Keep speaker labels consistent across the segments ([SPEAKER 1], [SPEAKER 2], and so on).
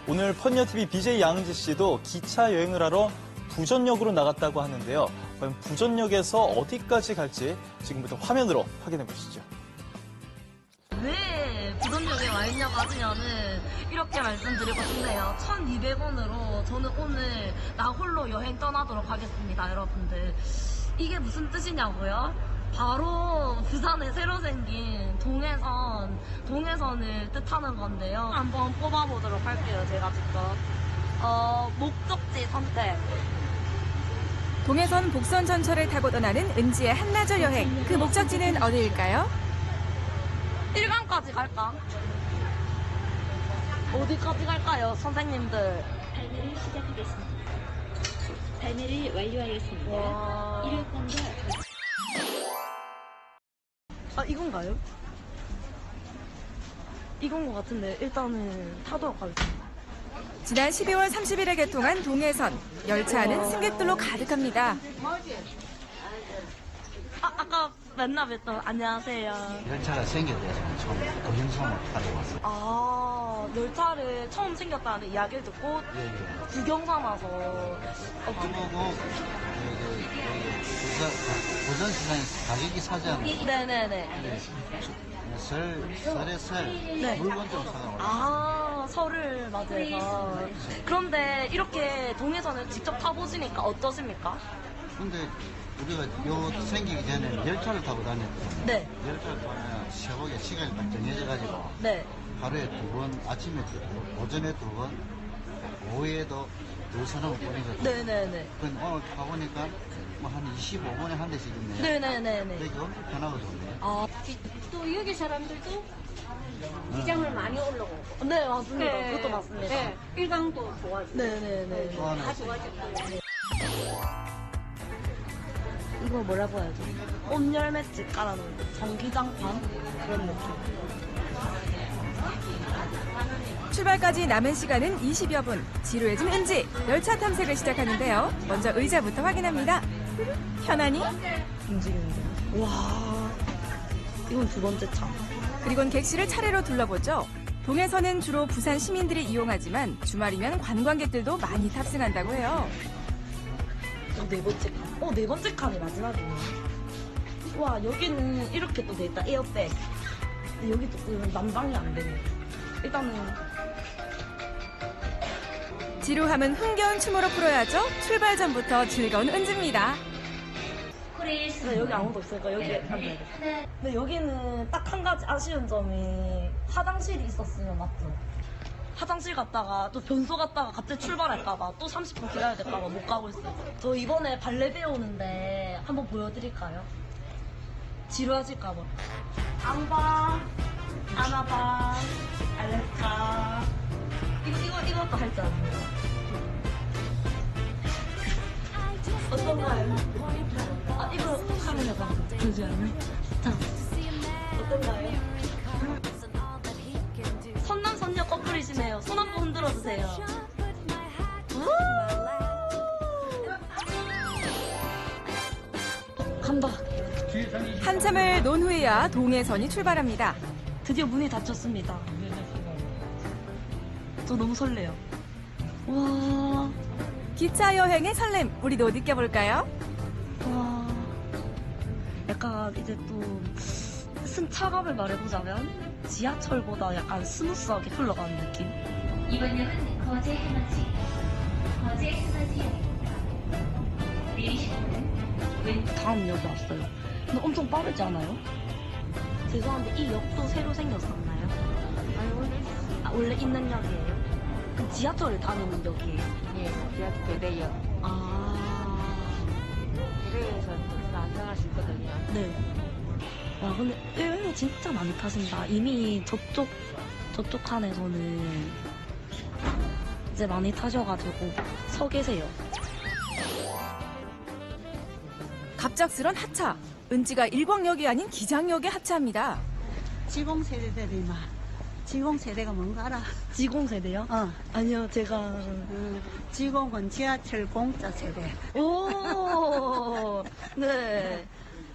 [SPEAKER 1] 오늘 펀니어TV BJ 양은지 씨도 기차 여행을 하러 부전역으로 나갔다고 하는데요. 과연 부전역에서 어디까지 갈지 지금부터 화면으로 확인해 보시죠.
[SPEAKER 2] 왜 부전역에 와 있냐고 하시면은 이렇게 말씀드리고 싶네요. 1,200원으로 저는 오늘 나 홀로 여행 떠나도록 하겠습니다, 여러분들. 이게 무슨 뜻이냐고요? 바로 부산에 새로 생긴 동해선을 뜻하는 건데요. 한번 뽑아보도록 할게요, 제가 직접. 목적지 선택.
[SPEAKER 3] 동해선 복선 전철을 타고 떠나는 은지의 한나절 여행. 그 목적지는 어디일까요?
[SPEAKER 2] 일강까지 갈까? 어디까지 갈까요, 선생님들?
[SPEAKER 4] 발매를 시작하겠습니다. 발매를 완료하였습니다.
[SPEAKER 2] 와.
[SPEAKER 4] 1호선과
[SPEAKER 2] 이건가요? 이건 것 같은데 일단은 타도록 하겠습니다.
[SPEAKER 3] 지난 12월 30일에 개통한 동해선. 열차 안은 승객들로 가득합니다.
[SPEAKER 2] 아까 맨날 뵀던 안녕하세요.
[SPEAKER 5] 열차가 생겼대요. 처음 동영상을 타러 왔어요.
[SPEAKER 2] 열차를 처음 생겼다는 이야기를 듣고 구경 삼아서
[SPEAKER 5] 그보고 부산시장에서 가격이 사지 않아요.
[SPEAKER 2] 네네네.
[SPEAKER 5] 설에 설
[SPEAKER 2] 네.
[SPEAKER 5] 물건 좀 사가고.
[SPEAKER 2] 설을 맞이해서. 그런데 이렇게 동해선을 직접 타보시니까 어떠십니까?
[SPEAKER 5] 근데 우리가 요 생기기 전에 열차를 타고 다녔거든요.
[SPEAKER 2] 네.
[SPEAKER 5] 열차를 타면 새벽에 시간이 딱 정해져가지고
[SPEAKER 2] 네.
[SPEAKER 5] 하루에 2번, 아침에 2번, 오전에 2번, 오후에도 2서너 번이거든요.
[SPEAKER 2] 네네네.
[SPEAKER 5] 근데 오늘 타보니까 뭐 한 25분에 한 대씩 있네요.
[SPEAKER 2] 네네네네.
[SPEAKER 5] 이게 엄청 편하고 좋네요.
[SPEAKER 4] 또 여기 사람들도 기장을 많이 올라오고
[SPEAKER 2] 네, 맞습니다. 그것도 맞습니다.
[SPEAKER 4] 네, 일강도 좋아지고
[SPEAKER 2] 네네네.
[SPEAKER 4] 다 좋아졌고
[SPEAKER 2] 이거 뭐라고 해야지? 온열매집 깔아놓은 전기장판? 그런 느낌.
[SPEAKER 3] 출발까지 남은 시간은 20여 분. 지루해진 은지. 열차 탐색을 시작하는데요. 먼저 의자부터 확인합니다. 편안히.
[SPEAKER 2] 움직이는데. 와, 이건 두 번째 차.
[SPEAKER 3] 그리곤 객실을 차례로 둘러보죠. 동해선은 주로 부산 시민들이 이용하지만 주말이면 관광객들도 많이 탑승한다고 해요.
[SPEAKER 2] 네 번째 칸. 네 번째 칸이 마지막이네. 와, 여기는 이렇게 또 돼있다. 에어백. 근데 여기 또 난방이 안 되네. 일단은.
[SPEAKER 3] 지루함은 흥겨운 춤으로 풀어야죠. 출발 전부터 즐거운 은지입니다.
[SPEAKER 2] 네, 여기 아무도 없으니까 여기 앉아야겠다. 근데 여기는 딱 한 가지 아쉬운 점이 화장실이 있었으면 맞죠? 화장실 갔다가 또 변소 갔다가 갑자기 출발할까봐 또 30분 기다려야 될까봐 못 가고 있어요. 저 이번에 발레 배우는데 한번 보여드릴까요? 지루하실까봐. 안 봐, 안 와봐, 알les까. 이것도 할 줄 압니다. 어떤가요? 이거 카메라가 보지 않아요? 자, 어떤가요? 선남 선녀 커플이시네요. 손 한번 흔들어 주세요. 간다.
[SPEAKER 3] 한참을 논 후에야 동해선이 출발합니다.
[SPEAKER 2] 드디어 문이 닫혔습니다. 저 너무 설레요. 와,
[SPEAKER 3] 기차 여행의 설렘, 우리도 느껴볼까요?
[SPEAKER 2] 와. 약간 이제 또 승차감을 말해보자면 지하철보다 약간 스무스하게 흘러가는 느낌.
[SPEAKER 4] 이번 역은 거제 해맞이 내리시는 왼
[SPEAKER 2] 다음 역에 왔어요. 근데 엄청 빠르지 않아요? 죄송한데 이 역도 새로 생겼었나요? 원래 있는 역이에요? 그럼 지하철을 다니는 역이에요?
[SPEAKER 6] 예, 지하철 대대역. 대대역에서 안정할 수 있거든요.
[SPEAKER 2] 네. 와, 근데 의외로 진짜 많이 타신다. 이미 저쪽 칸에서는 이제 많이 타셔가지고 서 계세요.
[SPEAKER 3] 갑작스런 하차. 은지가 일광역이 아닌 기장역에 하차합니다.
[SPEAKER 7] 지공세대들이 막 지공세대가 뭔가 알아?
[SPEAKER 2] 지공세대요? 아니요, 제가.
[SPEAKER 7] 지공은 지하철 공짜 세대.
[SPEAKER 2] 오, 네.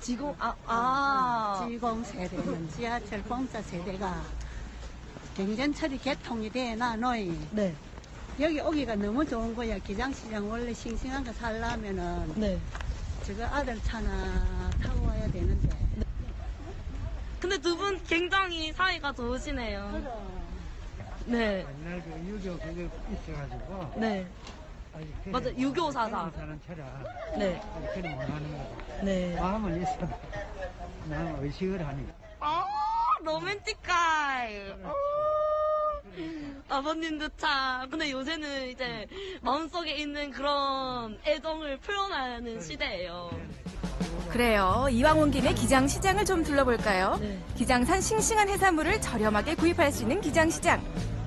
[SPEAKER 7] 지공세대는 지하철 공짜 세대가 경전철이 개통이 되나 너희
[SPEAKER 2] 네.
[SPEAKER 7] 여기 오기가 너무 좋은 거야. 기장시장 원래 싱싱한 거 살려면은
[SPEAKER 2] 네.
[SPEAKER 7] 저거 아들 차나 타고 와야 되는데.
[SPEAKER 2] 근데 두 분 굉장히 사이가 좋으시네요. 네.
[SPEAKER 8] 옛날 그 유교 그게 있어가지고
[SPEAKER 2] 네.
[SPEAKER 8] 아직
[SPEAKER 2] 맞아, 유교 사상.
[SPEAKER 8] 사는 차라
[SPEAKER 2] 네.
[SPEAKER 8] 아직 그리 못하는 거고
[SPEAKER 2] 네.
[SPEAKER 8] 마음은 있어. 나는 의식을 하니.
[SPEAKER 2] 아, 로맨틱할. 아버님도 참. 근데 요새는 이제 마음속에 있는 그런 애정을 표현하는 시대예요.
[SPEAKER 3] 그래요. 이왕 온 김에 기장시장을 좀 둘러볼까요?
[SPEAKER 2] 네.
[SPEAKER 3] 기장산 싱싱한 해산물을 저렴하게 구입할 수 있는 기장시장.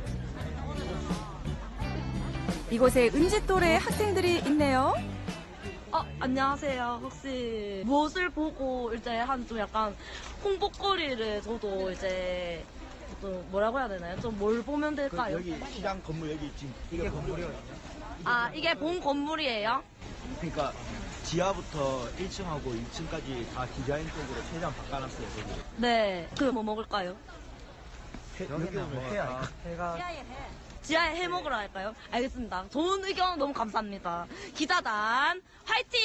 [SPEAKER 3] 이곳에 은지 또래 학생들이 있네요.
[SPEAKER 2] 안녕하세요. 혹시 무엇을 보고 이제 한 좀 약간 홍보거리를 저도 이제 좀 뭐라고 해야 되나요? 좀 뭘 보면 될까요?
[SPEAKER 9] 여기 시장 건물 여기 지금 이게 건물이거든요.
[SPEAKER 2] 아, 이게 본 건물이에요?
[SPEAKER 9] 그러니까 지하부터 1층하고 2층까지 다 디자인 쪽으로 최대한 바꿔놨어요. 여기.
[SPEAKER 2] 네. 그 뭐 먹을까요?
[SPEAKER 9] 여기 오면 회야.
[SPEAKER 2] 지하에 해 먹으러 할까요? 알겠습니다. 좋은 의견 너무 감사합니다. 기자단 화이팅!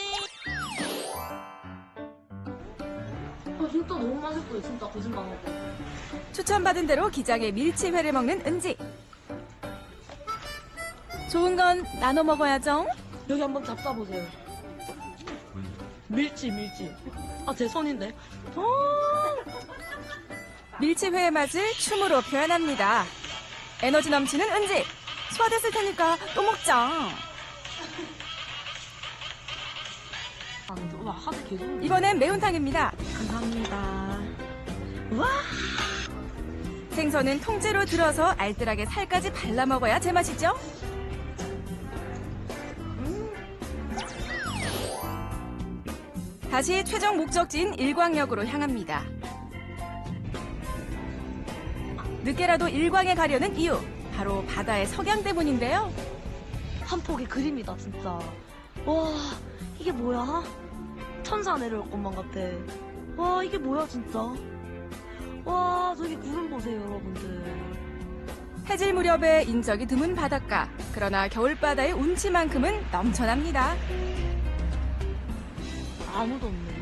[SPEAKER 2] 진짜 너무 맛있어요. 진짜 거짓말 안 하고.
[SPEAKER 3] 추천받은 대로 기장의 밀치회를 먹는 은지. 좋은 건 나눠 먹어야죠.
[SPEAKER 2] 여기 한번 잡숴보세요. 밀치. 아, 제 손인데.
[SPEAKER 3] 밀치회의 맛을 춤으로 표현합니다. 에너지 넘치는 은지. 소화됐을 테니까 또 먹자.
[SPEAKER 2] 와, 하도 계속.
[SPEAKER 3] 이번엔 매운탕입니다.
[SPEAKER 2] 감사합니다. 와!
[SPEAKER 3] 생선은 통째로 들어서 알뜰하게 살까지 발라 먹어야 제맛이죠. 다시 최종 목적지인 일광역으로 향합니다. 늦게라도 일광에 가려는 이유, 바로 바다의 석양 때문인데요.
[SPEAKER 2] 한 폭의 그림이다, 진짜. 와, 이게 뭐야? 천사 내려올 것만 같아. 와, 이게 뭐야, 진짜. 와, 저기 구름 보세요, 여러분들.
[SPEAKER 3] 해질 무렵에 인적이 드문 바닷가. 그러나 겨울바다의 운치만큼은 넘쳐납니다.
[SPEAKER 2] 아무도 없네.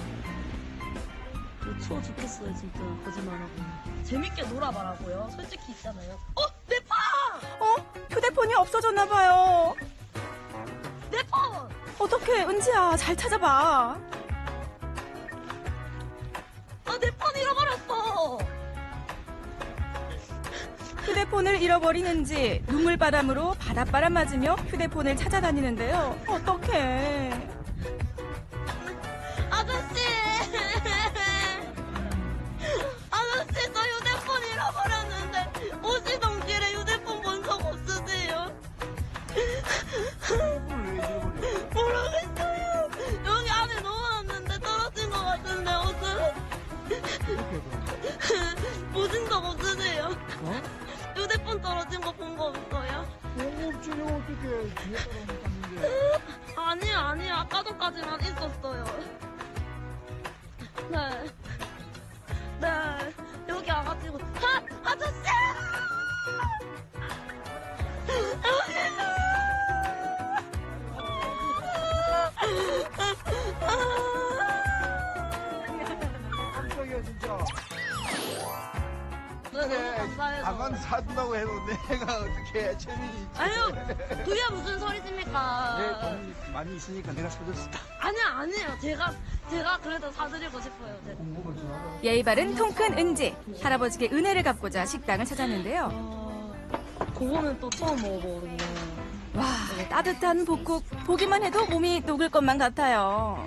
[SPEAKER 2] 이거 추워 죽겠어요, 진짜. 거짓말하고. 재밌게 놀아봐라고요. 솔직히 있잖아요. 내 폰!
[SPEAKER 3] 휴대폰이 없어졌나봐요.
[SPEAKER 2] 내 폰!
[SPEAKER 3] 어떡해, 은지야. 잘 찾아봐.
[SPEAKER 2] 내 폰 잃어버렸어!
[SPEAKER 3] 휴대폰을 잃어버린 은지. 눈물바람으로 바닷바람 맞으며 휴대폰을 찾아다니는데요. 어떡해.
[SPEAKER 2] 아저씨! 아저씨, 저 휴대폰 잃어버렸는데, 오시던 길에 휴대폰 본 적 없으세요? 모르겠어요. 여기 안에 넣어놨는데 떨어진 것 같은데, 보신 적 없으세요? 휴대폰 떨어진 거 본 거 없어요?
[SPEAKER 8] 없지, 어떻게 뒤에 따라오는데.
[SPEAKER 2] 아니요. 아까 전까지만 있었어요. 네. 여기 와가지고, 아저씨!
[SPEAKER 8] 깜짝이야, 진짜.
[SPEAKER 2] 너무 감사해서.
[SPEAKER 9] 가만 사준다고 해도 내가 어떻게 체면이 있지?
[SPEAKER 2] 아유, 그게 무슨 소리십니까?
[SPEAKER 9] 내 돈이 많이 있으니까 내가 사줬어.
[SPEAKER 2] 아니에요. 제가 그래도 사드리고 싶어요.
[SPEAKER 3] 예의 바른 통큰 은지. 할아버지께 은혜를 갚고자 식당을 찾았는데요.
[SPEAKER 2] 그거는 또 처음 먹어보거든요.
[SPEAKER 3] 와, 따뜻한 볶국. 보기만 해도 몸이 녹을 것만 같아요.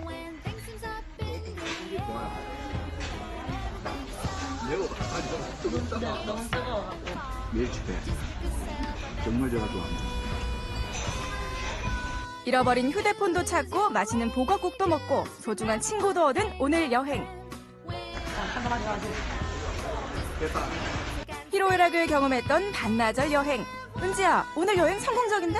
[SPEAKER 2] 네, 너무 뜨거워갖고.
[SPEAKER 9] 멸치회. 정말 제가 좋아합니다.
[SPEAKER 3] 잃어버린 휴대폰도 찾고 맛있는 보거국도 먹고 소중한 친구도 얻은 오늘 여행. 희로애락을 경험했던 반나절 여행. 은지야, 오늘 여행 성공적인데?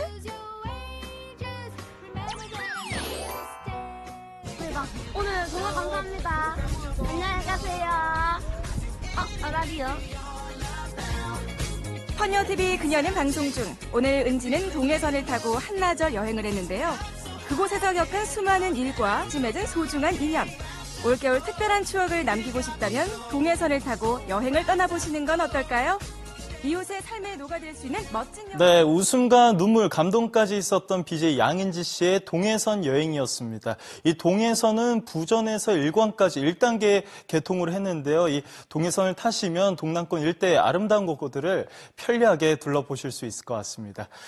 [SPEAKER 2] 대박. 오늘 정말 감사합니다. 안녕히 가세요. 라디오.
[SPEAKER 3] 헌여TV 그녀는 방송 중 오늘 은지는 동해선을 타고 한나절 여행을 했는데요. 그곳에서 겪은 수많은 일과 맺은 소중한 인연. 올겨울 특별한 추억을 남기고 싶다면 동해선을 타고 여행을 떠나보시는 건 어떨까요? 이웃의 삶에 녹아들 수 있는 멋진 여행.
[SPEAKER 1] 네, 웃음과 눈물, 감동까지 있었던 BJ 양은지 씨의 동해선 여행이었습니다. 이 동해선은 부전에서 일광까지 1단계 개통을 했는데요. 이 동해선을 타시면 동남권 일대의 아름다운 곳들을 편리하게 둘러보실 수 있을 것 같습니다.